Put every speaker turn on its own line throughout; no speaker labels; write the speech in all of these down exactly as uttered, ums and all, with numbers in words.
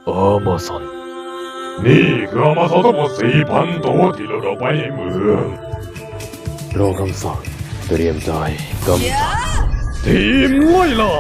อามาซอนนี่คืออามาซอนทั้งหมดสี่พันตัวที่เราเอาไปในเมืองรอคำสั่งเตรียมใจกำจัดทีมไล่ล่า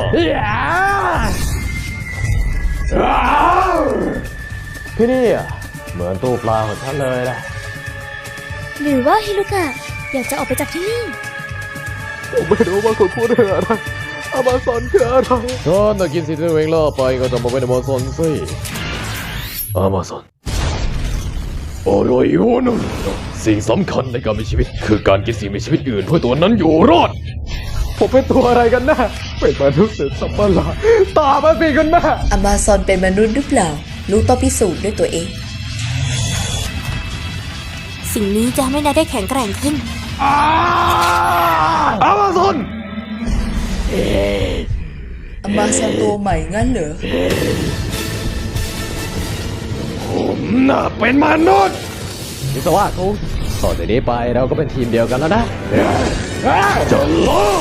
ที่นี่เหมือนตู้ปลาของฉันเลยนะ
หรือว่าฮิรุกะอยากจะออกไปจากที่นี่
ผมไม่รู้ว่าคุณพูดเรื่องอะไรอามาซอนคืออะไรฉันจะกินสิ่งที่ตัวเองล่อไปก็จะมาเป็นอามาซอนสิอามาซอนอะไรอยู่นั่นสิ่งสำคัญในการมีชีวิตคือการกินสิ่งมีชีวิตอื่นเพื่อตัวนั้นอยู่รอดผมเป็นตัวอะไรกันนะเป็นมนุษย์หรือสัตว์ประหลาดตามาสิกันนะ
อมาซอนเป็นมนุษย์หรือเปล่าลูกต้องพิสูจน์ด้วยตัวเอง
สิ่งนี้จะทำให้นายได้แข็งแกร่งขึ้น
อามาซอน
อมาซอนตัวใหม่งั้นเหรอ
ผมน่ะเป็นมนุษย์วิศวะกูต่อจากนี้ไปเราก็เป็นทีมเดียวกันแล้วนะจะล่า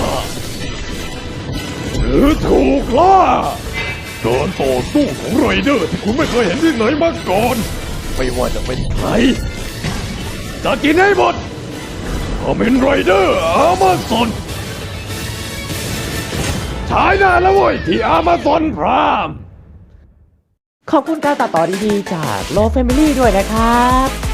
หรือถูกล่าการต่อสู้ของไรเดอร์ที่คุณไม่เคยเห็นที่ไหนมาก่อนไม่ว่าจะเป็นใครจะกินให้หมดคอมเมนไรเดอร์อามาซอนฉายหน้าแล้วเว้ยที่อามาซอนพราม
ขอบคุณการตัดต่อดีๆจากโล Family ด้วยนะครับ